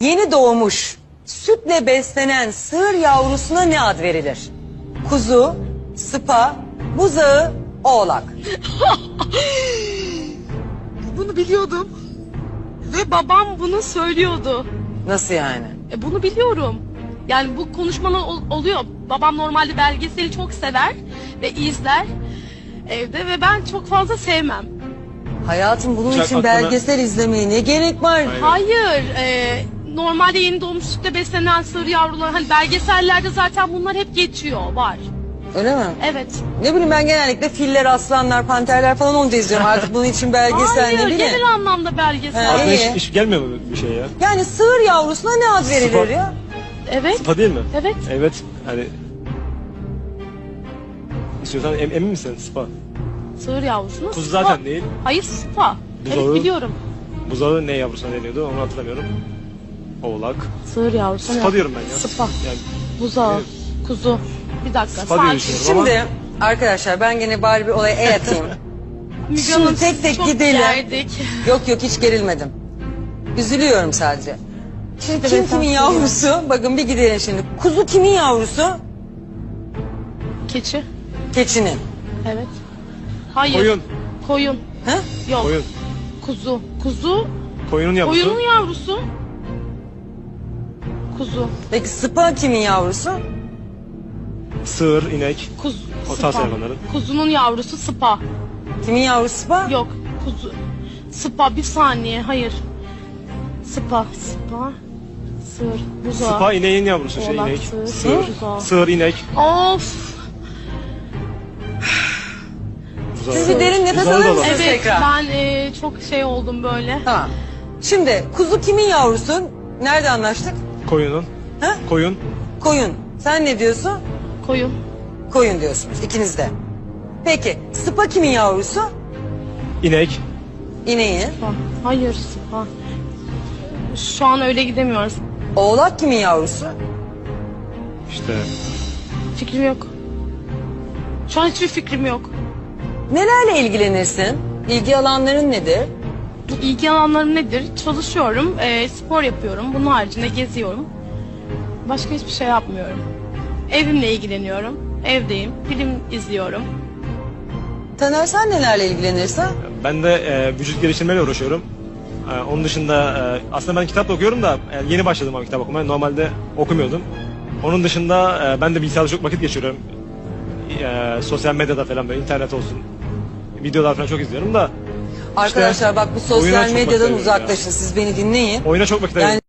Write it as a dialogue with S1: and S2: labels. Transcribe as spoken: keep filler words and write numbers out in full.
S1: Yeni doğmuş, sütle beslenen sığır yavrusuna ne ad verilir? Kuzu, sıpa, buzağı, oğlak.
S2: Bunu biliyordum. Ve babam bunu söylüyordu.
S1: Nasıl yani?
S2: E bunu biliyorum. Yani bu konuşmalar ol- oluyor. Babam normalde belgeseli çok sever ve izler evde ve ben çok fazla sevmem.
S1: Hayatım bunun
S3: Uçak
S1: için
S3: aklına-
S1: belgesel izlemeye ne gerek var?
S3: Hayır.
S2: Hayır, e, normalde yeni doğmuş sütle beslenen sığır yavruları, hani belgesellerde zaten bunlar hep geçiyor, var.
S1: Öyle mi?
S2: Evet.
S1: Ne bileyim ben genellikle filler, aslanlar, panterler falan onu da izliyorum. Artık bunun için belgesel
S2: Hayır,
S1: ne bileyim.
S2: genel anlamda belgesel.
S1: Ha,
S3: Aklına
S1: iyi.
S3: hiç, hiç gelmiyor mu bir şey ya?
S1: Yani sığır yavrusuna ne ad verilir
S3: Sıpa.
S1: ya?
S2: Evet,
S3: Sıpa değil mi?
S2: evet.
S3: Evet. Hani... İstiyorsan em, emin misin? Sıpa.
S2: Sığır yavrusuna
S3: Kuzu
S2: sıpa.
S3: zaten değil.
S2: Hayır, sıpa.
S3: Buzağı.
S2: Evet, biliyorum.
S3: Buzağı ne yavrusuna deniyordu onu hatırlamıyorum. Oğlak.
S2: Sığır yavrusuna.
S3: Sıpa diyorum ben ya.
S2: Sıpa.
S3: Yani
S2: Buzağı,
S3: Evet.
S2: kuzu. Bir dakika,
S3: Sıpa diye
S2: sakin.
S3: düşünüyorum.
S1: Şimdi arkadaşlar ben gene bari bir olaya el atayım.
S2: Müge
S1: Şimdi
S2: Hanım,
S1: tek tek
S2: çok
S1: gidelim.
S2: gerdik.
S1: Yok yok hiç gerilmedim. Üzülüyorum sadece. Şimdi
S2: İşte
S1: kim
S2: ben
S1: kimin
S2: sana
S1: yavrusu? Bakın bir gidelim şimdi. Kuzu kimin yavrusu?
S2: Keçi.
S1: Keçinin.
S2: Evet. Hayır.
S3: Koyun.
S2: Koyun.
S1: Ha?
S2: Yok.
S3: Koyun.
S2: Kuzu. Kuzu.
S3: Koyunun yavrusu.
S2: Koyunun yavrusu. Kuzu.
S1: Peki sıpa kimin yavrusu?
S3: Sığır, inek.
S2: Kuzu.
S3: O
S2: sıpa.
S3: tarz hayvanların.
S2: Kuzunun yavrusu sıpa.
S1: Kimin yavrusu sıpa?
S2: Yok. Kuzu. Sıpa, bir saniye. Hayır. Sıpa. Sıpa. Sığır. Buzağı.
S3: Sıpa ineğin yavrusu. Şey
S2: Oğlak,
S3: inek.
S2: sığır,
S3: Sığır.
S2: buzağı.
S3: Sığır, inek.
S2: Of.
S3: Buzağı.
S1: Siz bir derin nefes
S3: Buzağı
S1: alır
S3: da
S1: mısınız?
S3: olabilir.
S2: Evet,
S1: tekrar.
S2: ben e, çok şey oldum böyle.
S1: Tamam. Şimdi kuzu kimin yavrusu? Nerede anlaştık?
S3: Koyunun.
S1: Ha?
S3: Koyun.
S1: Koyun. Sen ne diyorsun?
S2: Koyun.
S1: Koyun diyorsunuz ikiniz de. Peki sıpa kimin yavrusu?
S3: İnek.
S1: İneğin.
S2: Sıpa. Hayır, sıpa. Şu an öyle gidemiyoruz.
S1: Oğlak kimin yavrusu?
S3: İşte.
S2: Fikrim yok. Şu an hiçbir fikrim yok.
S1: Nelerle ilgilenirsin? İlgi alanların nedir?
S2: İlgi alanlarım nedir? Çalışıyorum, e, spor yapıyorum. Bunun haricinde geziyorum. Başka hiçbir şey yapmıyorum. Evimle ilgileniyorum. Evdeyim. Film izliyorum.
S1: Taner sen nelerle ilgilenirsin?
S3: Ben de e, vücut geliştirmeyle uğraşıyorum. E, onun dışında e, aslında ben kitap da okuyorum da e, yeni başladım ama kitap okumaya. Normalde okumuyordum. Onun dışında e, ben de bilgisayarda çok vakit geçiriyorum. E, sosyal medyada falan böyle internet olsun. Videolar falan çok izliyorum da
S1: Arkadaşlar bak bu sosyal
S3: oyuna çok vakit
S1: medyadan
S3: ayırıyorum
S1: uzaklaşın. Siz beni dinleyin.
S3: oyuna çok vakit
S1: Yani
S3: ayırıyorum.